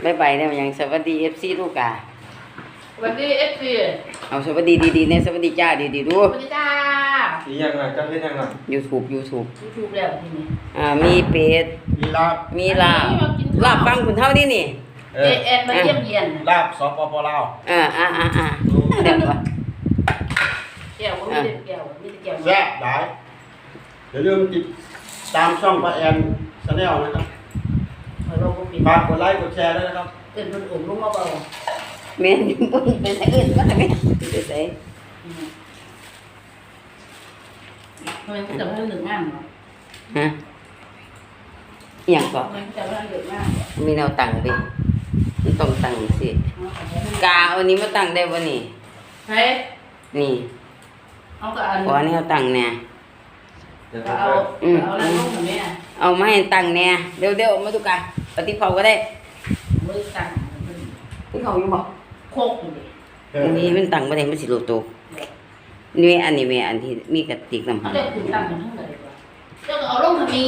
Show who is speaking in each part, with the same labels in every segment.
Speaker 1: บ๊ายบายแล้วยังสวัสดี FC ลูกอ่ะ
Speaker 2: สวัสดี FC
Speaker 1: เอาสวัสดีดีๆเนี่ยสวัสดีจ้าดีๆดู
Speaker 2: สวัสดีจ้า
Speaker 3: อีหยังอ่ะจังเฮ็ดหยังอ่ะ
Speaker 1: YouTube
Speaker 2: แล้วทีนี้
Speaker 1: มีเป็ด
Speaker 3: มีลาบ
Speaker 1: ลาบฟังคุณเท่านี่นี่
Speaker 2: เอ็นมาเยี่ยมเยียน
Speaker 3: ลาบสปปลาว
Speaker 1: เดี๋ยวก่อน
Speaker 2: แก้วบ่มีแก้วมีแต่แก้ว
Speaker 3: แซ่บหลายอย่าลืมติดตามช่องป้าแอนชาแนลนะครับฝากกดไลค์กดแชร์ด้วยนะครับ
Speaker 2: เอิ้นเพิ่นลงมาเบา
Speaker 1: แม่นเป็นไสอื่นก็ได้แม่เป็นไส
Speaker 2: มันจะเพิ่น1งานเนาะ
Speaker 1: ฮะอีหยังก็
Speaker 2: มันจะเพิ่น1งาน
Speaker 1: มีแนวตั้งดิมันต้องตั้งสิกาเอานี้มาตั้งได้บ่นี่
Speaker 2: เฮ้ย
Speaker 1: นี่
Speaker 2: เอาก็อัน
Speaker 1: ขอแนวตั้งแน่
Speaker 2: เอาแล้วลงทำไม
Speaker 1: เอามาให้ตั้งแน่เร็วๆมาตุกะปฏิเผาก็ได้
Speaker 2: มือตั้ง
Speaker 1: ที่เขาอยู่บ่
Speaker 2: โคก
Speaker 1: นี่มันตั้งบ่ได้มันสิโลโตนี่อันนี้แม่อันที่มีกระติกน้ำ
Speaker 2: เอาได้คุณตั้งกันทั้งเลยว่ะเจ้าเอาลงทำไม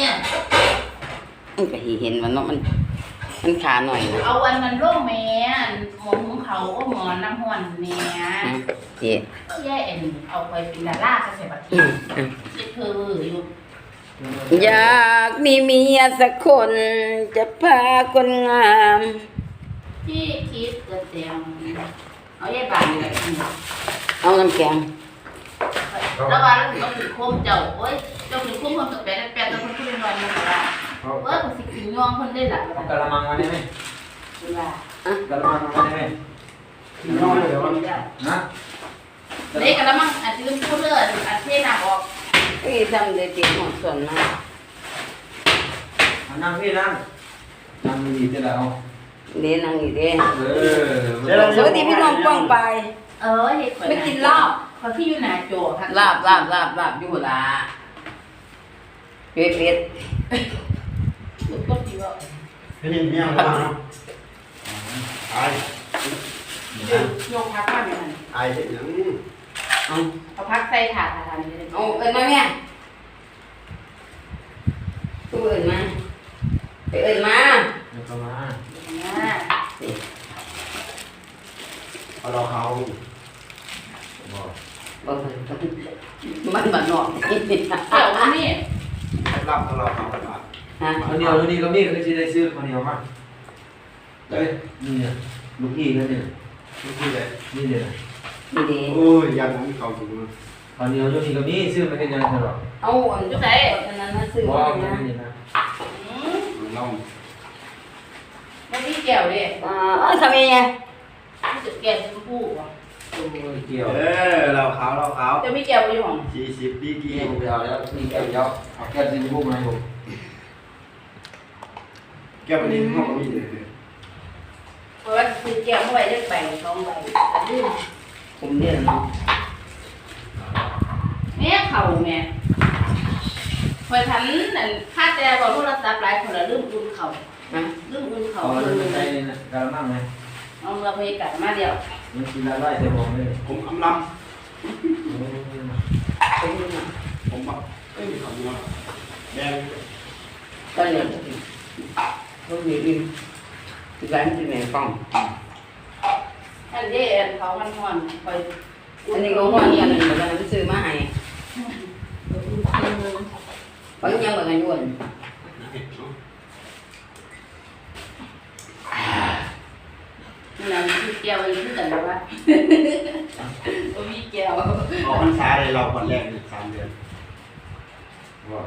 Speaker 1: มันก็เห็นว่าเนาะมันขาหน่อย
Speaker 2: เอาอันมันลงแม่หมอนของเขาก็หมอนน้ำห้อนแม่
Speaker 1: เจ๊
Speaker 2: แย่เอ็นเอาไปเป็นดาราก็ใส่บัตรที่เธออยู่
Speaker 1: อยากมีเมียสักคนจะพาคนงาม
Speaker 2: ที่คิดเกิดเสียงเอาแย่บานเลย
Speaker 1: เอาน้ำแข็ง
Speaker 2: แล้วว่าเราถึงโคมเจ้าโอ้ยเจ้าถึงโคมคนตัวแปดตัวคนที่เป็นวันนี้ว่าคนสิกินย่องคนได้หลัก
Speaker 3: กะละมังมาได้ไหมกะละมังมาได้ไหมกินย่องเลยเหรอนะ
Speaker 2: เด็กกะละมังอาจจะลืมพูดเลยอาจจะหนักออก
Speaker 1: ทำเลยตีหัวส่วนมาก
Speaker 3: นั่งพี่นั่งดีจะแล้ว
Speaker 1: เด้นั่งอยู่เด้สวัสดีพี่น้องป้องไป
Speaker 2: ไม่กินลาบเขาที่อยู่หน้าโจค่ะ
Speaker 1: ลาบอยู่ละเป็ด
Speaker 2: ก็ดีว่า
Speaker 3: เป็นยังไงบ้างไอ้
Speaker 2: โยกพักมาเนี่ย
Speaker 3: ไอ้เด็กยัง
Speaker 2: เอาพักใส่ถาดนี่เลย
Speaker 1: เอาเอิญมาเนี่ยตู้เอิญมาไปเอิญมา
Speaker 3: เข้ามา
Speaker 2: เอา
Speaker 3: เขา
Speaker 1: มันบัดหนอก
Speaker 2: เดี๋ยวนี่
Speaker 3: รับเราเขา
Speaker 1: คน
Speaker 3: เดียวนี่ก็มีก็จะได้ซื้อคนเดียวมาเฮ้ยนี่ลูกพี่ก็เนี่ยลูกพี่เลยนี่เนี่ยโอ้ยยังไม่เข้าถึงคนเดียวลูกพี่ก็มีซื้อมาเป็นยังไงหรอ
Speaker 1: เอาจุดไหนอันนั้นนะซื้อ
Speaker 3: ว่าไม่ได้นะ
Speaker 2: เราไม่ได้เกี่ยวเลย
Speaker 1: ทำยังไง
Speaker 2: จุดเกี่ยวชมพู
Speaker 3: วะเกี่ยวเราขาว
Speaker 2: จะไม่เกี่ยวอยู่หรอ
Speaker 3: 40ดีกี่ผมเอาแล้วนี่แก้วเยอะเอาแก้วสีชมพูมาให้ผมแก้วนี้ห้องมีเลย
Speaker 2: เพราะว่าคือแก้วเข้าไปเลือกใบ2 ใบลื่น
Speaker 1: ผมเรียนเนาะ
Speaker 2: แม่เข่าแม่พอทันนั่นค่าแต่บอกโทรศัพท์หลายคนละลืมอุ่นเข่าลืมอุ่นเข่า
Speaker 3: ลืมใจกระมังไหม
Speaker 2: เอาเราไปกัดมาเดียว
Speaker 3: มันกินละลายแต่ผมเลยผมอำลำผมแบบมีคำนี้แดง
Speaker 1: ก็เลยก็มีดินร้านที่ไหนฟัง
Speaker 2: อันนี้เขามันห่อนคอย
Speaker 1: อันนี้ก็ห่อนกันเหมือนกันซื้อมาให้บางอย่างบางอย่างยุ่น
Speaker 2: นั่นคือแก้วอะไรที่กันแล้ววะมีแก้ว
Speaker 3: ออกพรรษาเลยเราวันแรกเนี่ย3 เดือนว่า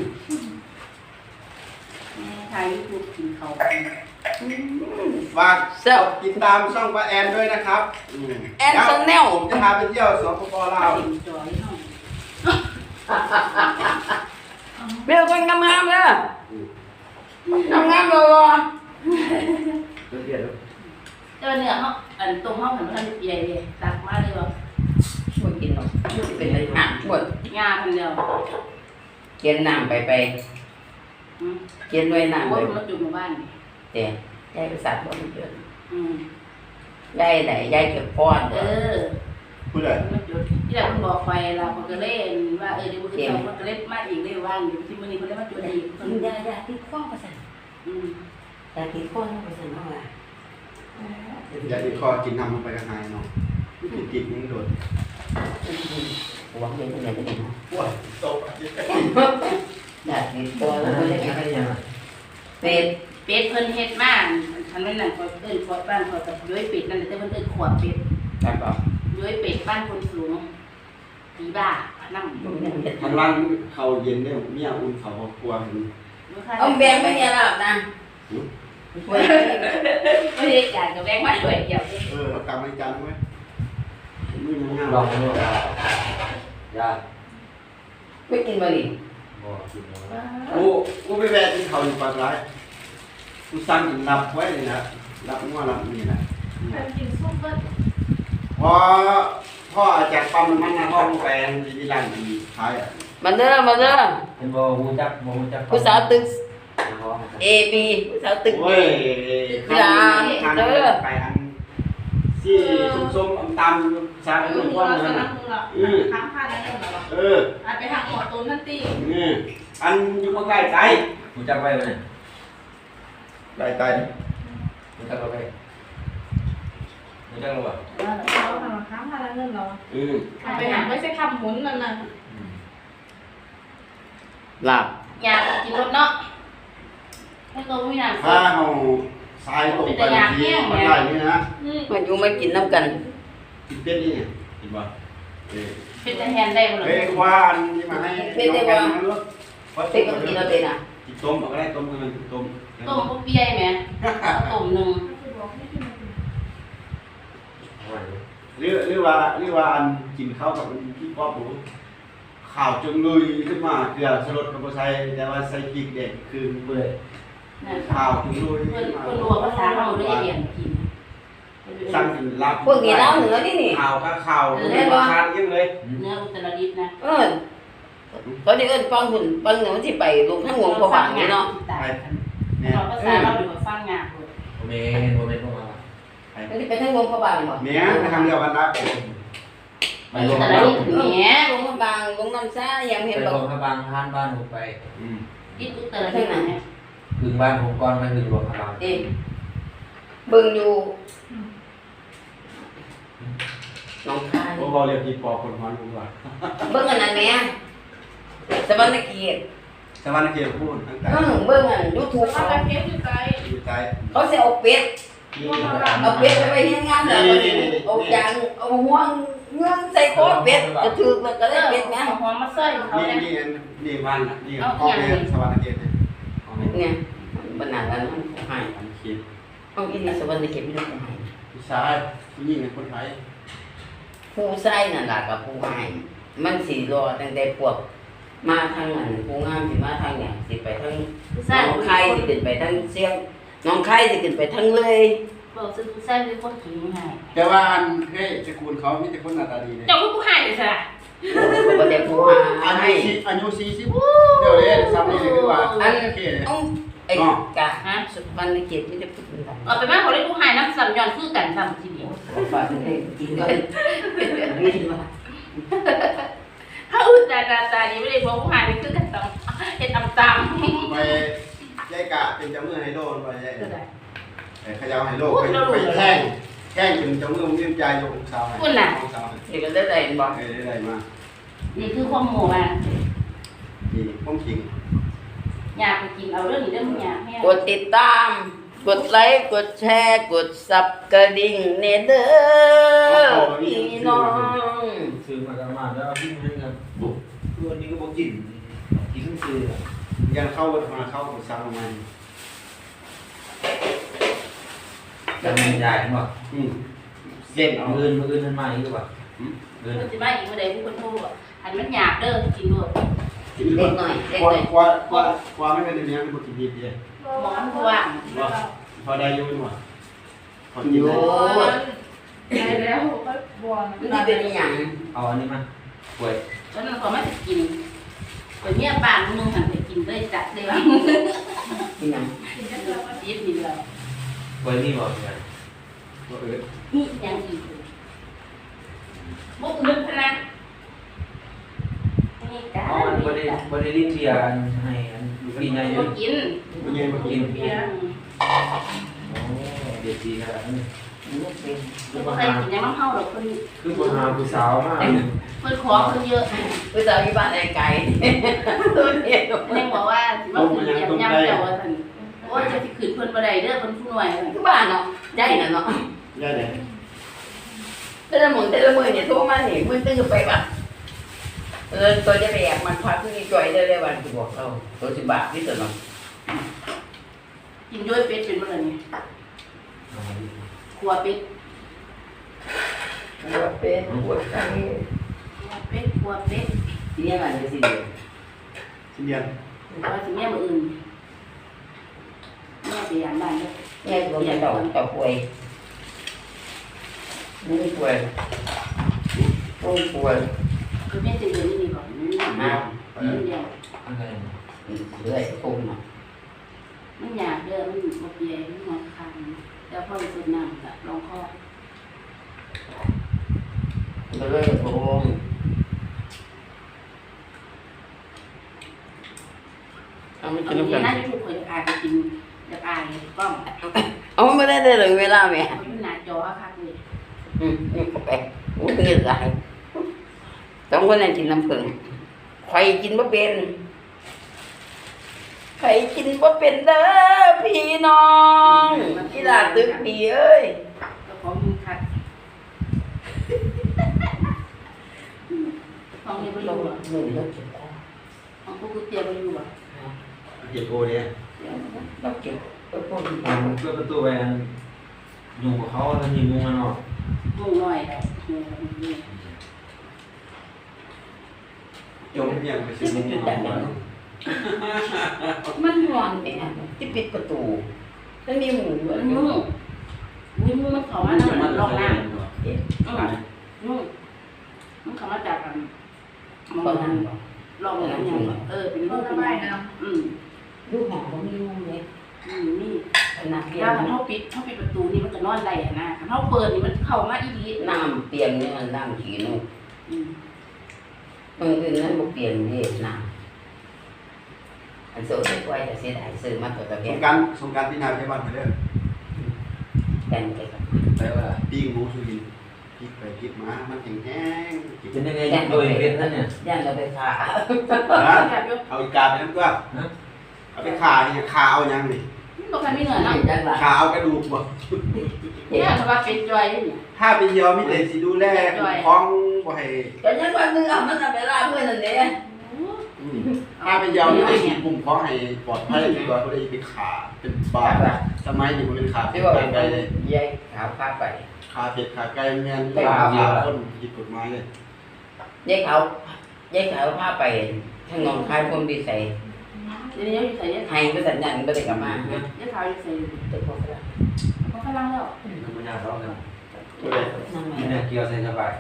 Speaker 2: ทายยูทูบกินเขา
Speaker 3: ฝากติดตามช่องป้าแอนด้วยนะครับ
Speaker 1: แอนชาแนล
Speaker 3: ผมจะพาไปเที่ยวสปปลาว
Speaker 1: เบลคนงามๆเลยงามๆเลย
Speaker 2: เนื้อเขาอันตรงเขาเหมือนมันใหญ่เลยตักมาเลยว่า
Speaker 1: ช่วยกินหรอกเป็นอะไรหนักช่วย
Speaker 2: งาพันเดียว
Speaker 1: เกินน้ำไปเกินด้วยน้ำ
Speaker 2: ว่ามันจุ่มบ้าน
Speaker 1: แต่ยายไปสัตว์บ่มันเกินยายไหนยายเก็บป้อน
Speaker 3: ผู้ใด
Speaker 2: มันจุดที่เราคุณบอกไปเราคนก็เล่นว่าเดี๋ยวมันก็เล่นมากอีกเล่นว่างอยู่ที่มันนี่มันเล่นมาจุดอีก
Speaker 1: ยายที่ฟ้องประสาน
Speaker 2: เ
Speaker 1: แต่กินคนก็สนุกอ่ะ
Speaker 4: อย่าติดคอกินน้ำลงไปกระหายเนาะกินยังโดด
Speaker 1: หวังเป็นคนไหนก็ได้นะ
Speaker 4: ว้าวตก
Speaker 1: อยากกินตัวแล้วก็ได้กิน
Speaker 3: อะไรอย่าง
Speaker 1: เป็ด
Speaker 2: เป็ดเพิ่นเฮ็ดมาทันนั้นน่ะก็เอิ้นขวดบ้านเขากับย้อยเป็ดนั่นแหละแต่เพิ่นเอิ้นขวดเป็ด
Speaker 1: แบบบอก
Speaker 2: ย้อยเป็ดบ้านคนสูงผีบ้านั่ง
Speaker 4: ทางล่างเขาเย็นได้เมียอุ่นเขาครัวเห็น
Speaker 1: เอาแบงไม่เนี่ยหรอกนะ
Speaker 2: ไม่ได้จ่ายกับแบงค์มาด้วยเดียว
Speaker 4: เอากำลังจันไว้มือยังงาม
Speaker 3: ลองดูยา
Speaker 1: ไม่กินบะหรี่
Speaker 3: บ่กินแล้ว
Speaker 4: กูไปแวะที่เขาอยู่ปากร้ายกูสั่งรับไว้เลยนะรับงัวรับนี่นะ
Speaker 2: กินซุปเบิ้ล
Speaker 4: พ่อจากปั๊มน้ำมันนะพ่อลงไปที่ร้านดีท้ายอ่ะ
Speaker 1: มาเด้อมาเด้อ
Speaker 3: เป็นบ่ฮู้จัก
Speaker 1: ผู้สาวตึก A B ผู้สาวตึก
Speaker 4: โอ้ยทางไปอันที่ส้มๆตำซาเป็นพวกนั้นนะ
Speaker 2: ทั้งผ้าแล้วเนี่ยเหรออาจไปทางหมอตูนนั่นตี
Speaker 4: อันอยู่ใกล้ใจ
Speaker 3: ฮู้จักไว้บ่เนี่ย
Speaker 4: ใกล้ใจ
Speaker 3: ฮู้จักบ่ไปฮู้จักบ่
Speaker 2: เขาทำทั้งผ้าแล้วเนี่ยเหรอไปหาไม่ใช่คำหมุนนั่นน่ะ
Speaker 1: ลาบ
Speaker 2: อยากกินรถเนาะให้ตัวไม่นาน
Speaker 4: ถ้าเราทรายตกไปทีมันได้นี่นะ
Speaker 1: มาอยู่มากินน้ำกัน
Speaker 4: กินเป็ดนี่กินบ่
Speaker 2: เป็นแต่แทนได้หมดเล
Speaker 4: เฮ้
Speaker 2: ย
Speaker 4: ยควานนี่มาให้น้องกันนะลูก
Speaker 1: เป็ดก็กินเราเป็นอ่ะ
Speaker 4: กินต้มเอาก็ได้ต้มกันต้ม
Speaker 2: ต้มปุ๊บเปียไหมต้มหนึ่ง
Speaker 4: หรือว่าอันกินข้าวกับพี่ป๊อปหนูข่าวจนลุยขึ้นมาเกลือสลดกับใส่แต่ว่าใส่พริกเด็ดคือเบื่อข่าวจนลุย
Speaker 2: คนรัวภาษาเราด้วยเรียนกิน
Speaker 4: สั่งกินลาบ
Speaker 1: พวกนี้เล่าเหนือนี่นี่
Speaker 4: ข่าวก็ข่าวทานยังเลย
Speaker 2: เนื้ออุตรดิตถ์นะ
Speaker 1: เขาจะเอิ้นฟังหุ่นฟังเหนือที่ไปลงทั้งวงพระบางนี่เนาะ
Speaker 2: เราภาษาเราดูว่าฟังงานเลย
Speaker 3: บ่แม่นบ่แม่นพวกเรา
Speaker 1: มันจะไปทั้งวงพระบางบ่
Speaker 4: เนี้ยทำเดียวกันนะ
Speaker 3: ไปลง
Speaker 2: แต่ละลูกเนี้ย
Speaker 1: ลงพระบางลงน้ำซ่ายัง
Speaker 3: ไป
Speaker 1: เห็น
Speaker 3: ล
Speaker 1: บอก
Speaker 3: งพระบางทานบ้านผมไป
Speaker 2: ดิอุตรดิตถ์เนี่ย
Speaker 3: ถึงบ้านผมก่อนไปถึงหลวงพระบาง
Speaker 1: เอ๊ะเบิ่งอยู่น้องคาย
Speaker 4: พวกเราเรียกพี่ปอคนฮอนกูว่า
Speaker 1: เบิ่งอันนั้นแม่สวรรค์เกียรติ
Speaker 4: สวรรค์เกียรติพูดตั้งแต่
Speaker 1: เบิ่งอัน YouTube
Speaker 2: ถ้า
Speaker 1: เขา
Speaker 2: ไปเพียงอยู่ไกล
Speaker 4: อยู่ใจ
Speaker 1: เขาสิเอาเป็ด
Speaker 4: นี่
Speaker 1: เอาเป็ดไปเฮ็ดงานแล้วเอายางเอาห่วงเงื่อนใส่คอเป็ดกระถือมันก็ได้เป็ดแม่
Speaker 2: หอมมาใส่เขา
Speaker 4: นี่
Speaker 2: เนี่ย
Speaker 4: นี่วันนี่พ่อแม่สวรรค์เกียรติ
Speaker 1: เนี่ยบรรณาแล้วมันหาย
Speaker 4: อันคิด
Speaker 1: เอาอีนี่สวรรค์เกียรติไม่ได้หาย
Speaker 4: ผู้ชายผู้หญิงเป็นคนไทย
Speaker 1: ผู้ใส่นั่นล่ะกับผู้หายมันสิรอตั้งแต่พวกมาทางนั้นผู้งามสิมาทางเนี่ยสิไปทางน้องไข่สิขึ้นไปทางเสียงน้องไข่สิขึ้นไปทางเลย
Speaker 2: บอกซื้อใส่เป็นคนขี้ไม่ให้
Speaker 4: แต่ว่าอันเฮ้ยสกุลเขามีแต่คนหน้าตาดีเลย
Speaker 2: เจ้าผู้ให้เลยสิ
Speaker 1: เขาบ่ได้ผู้หาย
Speaker 4: อายุ40เดี๋ยวเลยซ้ำนี่เลยคือว่าอันโอเคเลย
Speaker 1: ต้องไอ้กะฮะสุวรรณเกียรติไม่ได้พูดกัน
Speaker 2: เอาไปแม่เขาได้ผู้ให้น้ำสัมยอนคือกันสัมทีเดียว
Speaker 1: ฝากให้กินด้วยไม่กินว่า
Speaker 2: ถ้าอุตตาดีไม่ได้พวกผู้ให้นี่คือกันต้องเห็ดตำ
Speaker 4: ไปยายกะเป็นเจ้ามือไฮโลไปยาย
Speaker 2: คือได้
Speaker 4: ขยาวไฮโลไปแท่งเป็นเจ้ามือมีใจยกสาว
Speaker 1: เด็กก็ได้ได้บอก
Speaker 4: ได้มา
Speaker 2: นี่คือความโม่อ่ะ
Speaker 4: นี่พ้องขิง
Speaker 2: อยากไปกินเอาเรื่องนี้เรื่องอยากให้
Speaker 1: กดติดตาม กดไลค์กดแชร์กดซับกระดิ่งเนเด้อพี่น้อง
Speaker 3: ซื้อมากันมาแล้วพี่มันกันปุ๊บตัวนี้ก็บ่กินกินซื้อ
Speaker 4: ยันเข้ามาเข้าสาวมัน
Speaker 3: จะมีใหญ่บ่
Speaker 4: เส้นเอา
Speaker 3: มื้ออื่นมันมาอีกบ่มื้อ
Speaker 2: มันจะมาอีกเมื่อใดผู้คนพูดอันมันอยากเด้อกินด้วย
Speaker 1: เล็กหน่อยเล็ก
Speaker 4: กว่า
Speaker 1: หน่อย
Speaker 4: กว่าไม่เป็นอย่างนี้เป็นคนกินดีดี
Speaker 2: หมอนว่าง
Speaker 4: พอได้ยุ่งว่ะพอกิน
Speaker 1: โอ้
Speaker 4: ได้
Speaker 2: ได้แล้วก็บวม
Speaker 1: นี่เป็นอย่าง
Speaker 3: เอาอันนี้มาป่วย
Speaker 2: ตอนนั้นเขาไม่จะกินคนเนี้ยปานมึงหันไปกินเลยจัดเลยว่า
Speaker 1: เป็นอย่าง
Speaker 2: กินได้แล้วก็ยิบนี่แล้ว
Speaker 3: ป่วยนี่บ่กัน
Speaker 2: นี่ยังอีกบุกลึกนะนี่จ้า
Speaker 3: อ๋อมันบ่ได้ลิ้นเบียร์อันให้อันลูกพี่ใหญ่
Speaker 2: บ่กิน
Speaker 4: เป็นยังไงมากิน
Speaker 2: เบียร์
Speaker 3: โอ้เด็กดีขนาดนั้น
Speaker 1: ลูกเป็น
Speaker 2: คือบ่ใครกินยังน้ำเฮาหรอกคน
Speaker 3: คือคนหาผู้สาวมาก
Speaker 2: เพิ่นขอเพิ่นเยอะ
Speaker 1: ผู้สาวที่บ้านไอ้ไก่ตัวเนี้ย
Speaker 2: แม่บอกว่าสิมาขึ้นยำเจ้าว่าซั่นโอ้ยจะสิขึ้นเพิ่นบ่ได้เด้อเพิ่นผู้น้อย
Speaker 1: คือบ้านเนาะใจน่ะเนาะ
Speaker 4: ย่าไหน
Speaker 1: แต่ละมื้อเนี่ยโทรมานี่มื้อตื้อไปบ่ตัวจะไปแอบมันพาผู้นี้จ่อยได้เลยวันที่บอกเราตัวสิบาทนี่ตัวเนาะ
Speaker 2: กินด้วยเป็ดเป็นบ่ล่ะนี่ครัวเป็ด
Speaker 1: หัวเป็นหัวไก่
Speaker 2: ครัวเป็ด
Speaker 1: ที่นี่มันจะสิเดียว
Speaker 4: ชิ้นเดียว
Speaker 2: ว่าสิแม่มื้ออื่นแม่สิยามบ้านเด้อ
Speaker 1: แม่ตัวใหญ่ต่อป่วยนี่ป่วยต้องป่วย
Speaker 2: คือแม่จะเดินนี่ก่อนนี่
Speaker 1: มา
Speaker 2: เดียว
Speaker 3: อะไร
Speaker 1: เรื่อยคงเนาะ
Speaker 2: มันอยากเด้อมันบ่เปียมันหัวคางแล้วพอสิสดน้ำก็ลองคอ
Speaker 1: เรื่อยคง เอาไม่
Speaker 2: เอา
Speaker 1: กิน
Speaker 2: ดี
Speaker 1: น้ำกัน
Speaker 2: นะที่ทุกคนอยากอายไปกินอยากอายกล้อง
Speaker 1: เอาไม่ได้เลยเวลาแม่
Speaker 2: เอาอยู่หน้าจอคักเลย
Speaker 1: นี่ก็ไปโอ้ยเหนื่อยต้องคนนั้นกินน้ำผึ้งใครกินบ่เป็นใครกินบ่เป็นเด้อพี่น้องกีฬาตึกดีเอ้ย
Speaker 2: แล้วของมึงคัดของนี่บ่อ
Speaker 1: เรา
Speaker 2: ยู่อ่ะ
Speaker 1: หนึ่งเราเก็บคอ
Speaker 2: ของกูกูเตรียมบ่อยู่อ่ะ
Speaker 4: เก็บโอเนี่ย
Speaker 1: เราเก็บไว้พวกนี้
Speaker 3: เปิดประตูไปยุงกับเขาแล้วมีมุงมันออก
Speaker 2: มุงน้อยแล้วนี่
Speaker 4: จมเพียงไปซื้อมุ้งมา
Speaker 1: มันนอนไปนะที่ปิดประตูแล้วมีหมูอยู่
Speaker 2: มันยุ่งมันเข้ามาทางมันลอกน้ำยุ่งมันเข้ามาจากกันมอง
Speaker 1: ตอน
Speaker 2: นั้
Speaker 1: นั้น น
Speaker 2: ลองน้ำอย่างเป็นรูปเป็นน้ำ
Speaker 1: ลูกหอมก็มีมุมเลย
Speaker 2: นี่
Speaker 1: ขนาดเตีย
Speaker 2: ถ้าง เขาปิดประตูนี่มันจะนอนได้นะถ้าเขาเปิดนี่มันเข้ามาอีหลี
Speaker 1: น้ำเตียงนี่มันน้ำขี้นุ่ม
Speaker 2: อืม
Speaker 1: อื่นนั้นบ่เปลี่ยนนี่น้ำอันโซ่ใส่ไว้แต่เสียดายซื้อมาตัวตะ
Speaker 4: ส
Speaker 1: เกีย
Speaker 4: ง
Speaker 1: บ
Speaker 4: การสงการที่นาไปบ้านไปเด้อ
Speaker 1: แต่งไปกับ
Speaker 3: แปลว่า
Speaker 4: ปิ้งหมูสุรินพริกไปพริกมามันแห้งๆกิน
Speaker 3: เป็นยังไงโดยเป็นนั่นเนี่ย
Speaker 1: ย่านเราไปขา
Speaker 4: เอาอีกาไปน้ำตัวเอาไปขาเนี่ยขาเอายังนี่
Speaker 2: บอกกันไม่เหนื่อยนะ
Speaker 1: ย่านหลัง
Speaker 4: ขาเอากระดูกบ่
Speaker 2: เนี่ยถ้าว่าเป็นจอยนี่
Speaker 4: ถ้าเป็นยอมมีแต่สิดูแลคล้องบ่ให้
Speaker 1: ก็ยังว่านึงเอามันเอาไปลาเพื่อนนั่นเด้
Speaker 4: ถ้าเป็นยอมมีแต่สิกลุ่มคล้องให้ปลอดภัยดีกว่าบ่ได้ไปขาเป็นบาดสมัยนี้บ่เป็นขาเป็
Speaker 1: ที่
Speaker 4: น
Speaker 1: ว่า
Speaker 4: ไก่เลย
Speaker 1: ยายขาวพาไป
Speaker 4: ขาเป็ดขาไก่แม่นเลยขาคนผิดกฎหมายเลย
Speaker 1: ยายขาวพาไปทางหนองคายคนดีใส่
Speaker 2: เดี๋ยวนี้อยู่ใส่เนี่ย
Speaker 1: ให้ก็สัญญาณบ่ได้กลับมา
Speaker 2: เนี่ยขาวอยู่ใส่
Speaker 1: ตึกพวกนั้น
Speaker 2: เขากำลังแล้ว
Speaker 3: มันไม่ยากหรอกนะ
Speaker 4: ตัวใด
Speaker 1: นั่น
Speaker 3: นี่
Speaker 1: แห
Speaker 3: เนี่
Speaker 1: ละ
Speaker 3: ยเกี่ยวใส่สบาย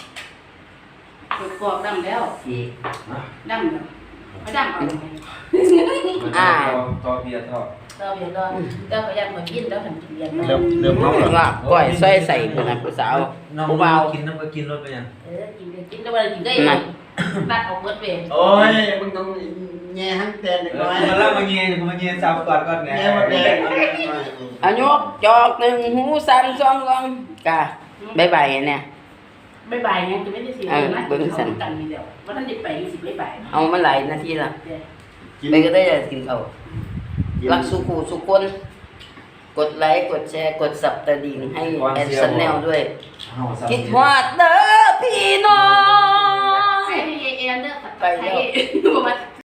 Speaker 2: กรอกดำแล้ว
Speaker 1: สิ
Speaker 2: ดำแล้วไม่ดำเอาไป
Speaker 3: ต่อเบียร์ต่อ
Speaker 2: เราเดี๋ยวเราพยายามมากินแล้วทำกินเรียน
Speaker 4: เริ่มเมาแล้ว
Speaker 1: ว่าก้อยซอยใส่คนนั้นผู้สาว
Speaker 3: น้อง
Speaker 1: ผู้เบา
Speaker 3: กินน้ำก็กินรถไปยัง
Speaker 2: กินแล้ววันกินได้ตัดออกเบิดเวร
Speaker 4: โอ้ยมึงต้องแง่หันแตนเล็กน้อย
Speaker 3: มาเล่ามาเงี้ยมาเงี้ยสาวก่อนก่อนแหน่
Speaker 4: แง่มาแตน
Speaker 1: อายุจอกหนึ่งหูสั่นสองกองกะบ๊ายบายเนี่ย
Speaker 2: ไม่บ่ายไงจะไม่ได้สินะเขากันนี่เดียวว่าท่านเด็กไปสิไม่บ่าย
Speaker 1: เอามาหลายนาทีละไปก็ได้จะกินเขารักสุขูสุคน กดไลค์กดแชร์กดสับตะดิ่งให้แอนซันแนลด้วย คิดฮอดเด้อพี่น้อง
Speaker 2: ให้เอ็นเดอร์ไปแล้ว